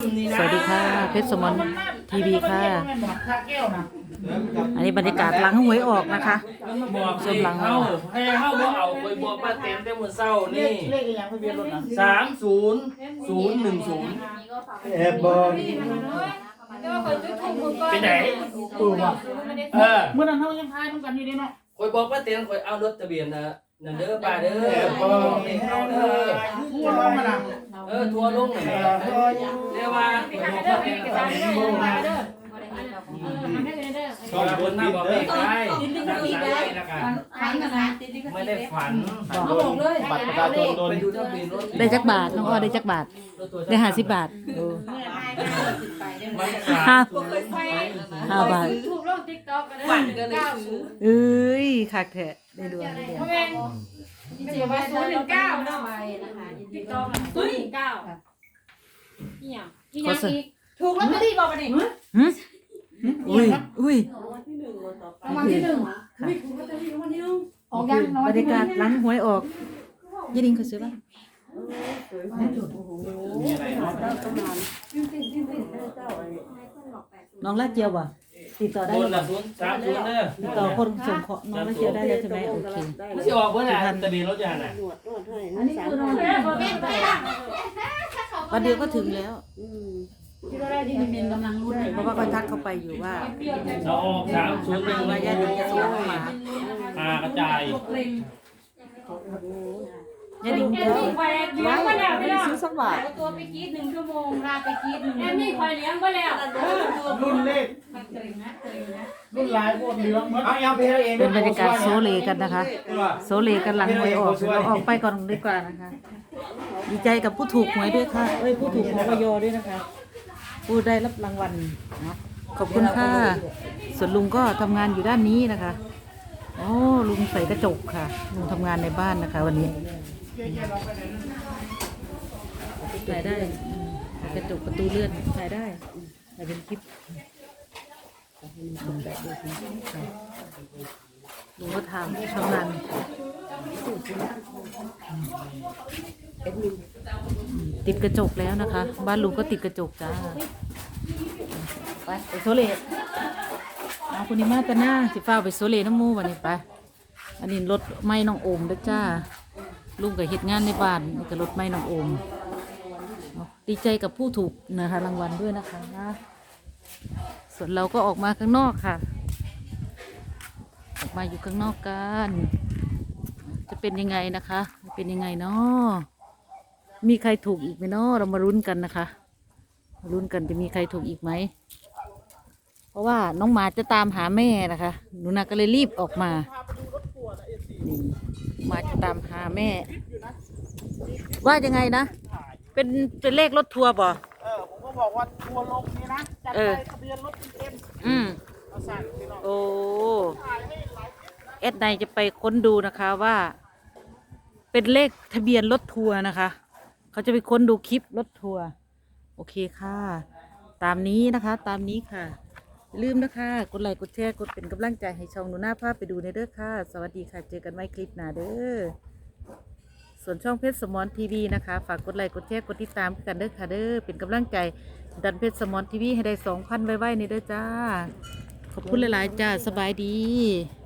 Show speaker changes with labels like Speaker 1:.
Speaker 1: สวัสดีค่ะเพชรสมรทีวีค่ะอันนี้บรรยากาศหลังหวยออกนะคะ
Speaker 2: บอก
Speaker 1: ชมหลัง
Speaker 2: เข้าให้เข้าบ่เอาคอยบอกมาเต็มแต่มื้อเช้านี่300010
Speaker 3: แอบบอก
Speaker 2: เป็นไหน
Speaker 4: เมื่อนั้นเขายังทายต้องกันอยู่ดีเนาะ
Speaker 2: คอยบอกมาเต็มคอยเอารถทะเบียนนะนั่นเด้อป้าเด้อ
Speaker 3: แอบบอก
Speaker 2: เด็กเข้าเด้อ
Speaker 4: ทั่วลงมาละ
Speaker 2: ทัวร์ลงนั่นแหละเรียกว่าขอบคุณมาบอกไม่ใช่ไม่ได้ฝัน
Speaker 3: เขาบอกเลยบัตรประชาชนโดน
Speaker 2: ไปดูทะเบียนรถ
Speaker 1: ได้จักบาทน้องอ้อได้จักบาทได้50 บาท
Speaker 2: มัน
Speaker 1: ห้า
Speaker 2: 3
Speaker 1: บาท
Speaker 5: ถูกลงติ๊กต็อกกันเลย90
Speaker 1: เอ้ยคักแท้ได้ดวงได้เดียว
Speaker 5: เพราะเป็นเสียไว้019เนาะติ๊กต็อก019นี่อย่างอีกอย่างอีกถูกลอตเตอรี่บอกมาดิ
Speaker 1: หึอุ้ย
Speaker 5: รางวัลที่1ออกยังน้อย
Speaker 1: บรรยากาศหลังหวยออกยี่ดิงเขาซื้อป่ะน้องลาดเจียวบ่ติดต่อได้
Speaker 2: บ
Speaker 1: ห
Speaker 2: น
Speaker 1: รือเป
Speaker 2: ละ
Speaker 1: ล่า
Speaker 2: 030เด้อ
Speaker 1: ติดต่อคนส่งของน้องลาดเจียวได้แล้วใช่ไหมโอเค
Speaker 2: ไม่ใช่ออกเพื่อนอ่ะทะเบียนรถยานอ่ะ
Speaker 5: อันนี้คือนอนเป็นไปละ
Speaker 1: วันเดียวก็ถึงแล้ว
Speaker 5: ที่เราได้ที่มันกำลังรุ่น
Speaker 1: เพราะว่าก็ทักเข้าไปอยู่ว่า
Speaker 2: เราออก301
Speaker 1: ว่าญาติจะส่งเข้ามา
Speaker 2: กระจาย
Speaker 1: ญาติเ
Speaker 5: แอนนี่คอยเลี้ยงมาแล้วไม่ได้
Speaker 1: ซื้อสักบาท
Speaker 5: ตัวไปกีด1 ชั่วโมงลาไปกีด1แอนนี่คอยเลี้ยงมาแล้ว
Speaker 4: รุ่นเลขรุ่นลายพวกเหลืองเหมือนเอาไปเอง
Speaker 1: เป็นบรรยากาศโซเลกันนะคะ โซเลกันหลังหวยออกเดี๋ยวเราออกไปก่อนดีกว่านะคะ ดีใจกับผู้ถูกหวยด้วยค่ะเอ้ยผู้ถูกหวยยด้วยนะคะ ผู้ได้รับรางวัลเนาะขอบคุณค่ะส่วนลุงก็ทำงานอยู่ด้านนี้นะคะโอ้ลุงใส่กระจกค่ะลุงทำงานในบ้านนะคะ วันนี้ถ่ายได้ใส่กระจกประตูเลื่อนถ่ายได้ถ่ายเป็นคลิปลุงก็ทำงานติดกระจกแล้วนะคะ บ้านลุงก็ติดกระจกจ้าไปโซเลเอาคุณนิมาตะหน้าสิฟ้าไปโซเลน้ำมูวันนี้ไปอันนี้รถไม้น้องโอมด้วยจ้าลุงกับเหตุงานในบ้านนี่กับรถไม้น้องโอมดีใจกับผู้ถูกนะคะรางวัลด้วยนะคะส่วนเราก็ออกมาข้างนอกค่ะ ออกมาอยู่ข้างนอกกันจะเป็นยังไงนะคะเป็นยังไงเนาะมีใครถูกอีกไหมเนาะเรามาลุ้นกันนะคะมาลุ้นกันจะมีใครถูกอีกไหมเพราะว่าน้องหมาจะตามหาแม่นะคะหนูนาก็เลยรีบออกมานี่หมาจะตามหาแม่ ว่ายังไงนะเป็นเลขรถทัวร์บ่
Speaker 4: ผมก็บอกว่าทัวร์ลงนี่นะจัดไปทะเบียนรถเอ็มมาสั่งพี่น้อง
Speaker 1: โอ้เอสไนจะไปค้นดูนะคะว่า เป็นเลขทะเบียนรถทัวร์นะคะเขาจะไปค้นดูคลิปรถทัวร์โอเคค่ะ ตามนี้นะคะตามนี้ค่ะอย่าลืมนะคะกดไลค์กดแชร์กดเป็นกำลังใจให้ช่องหนูหน้าภาพไปดูในเด้อค่ะสวัสดีค่ะเจอกันไว้คลิปหน้าเด้อส่วนช่องเพชรสมรทีวีนะคะฝากกดไลค์กดแชร์กดติดตามกันเด้อค่ะเด้อเป็นกำลังใจดันเพชรสมรทีวีให้ได้2,000ไว้ในเด้อจ้าขอบคุณหลายๆจ้าสบายดี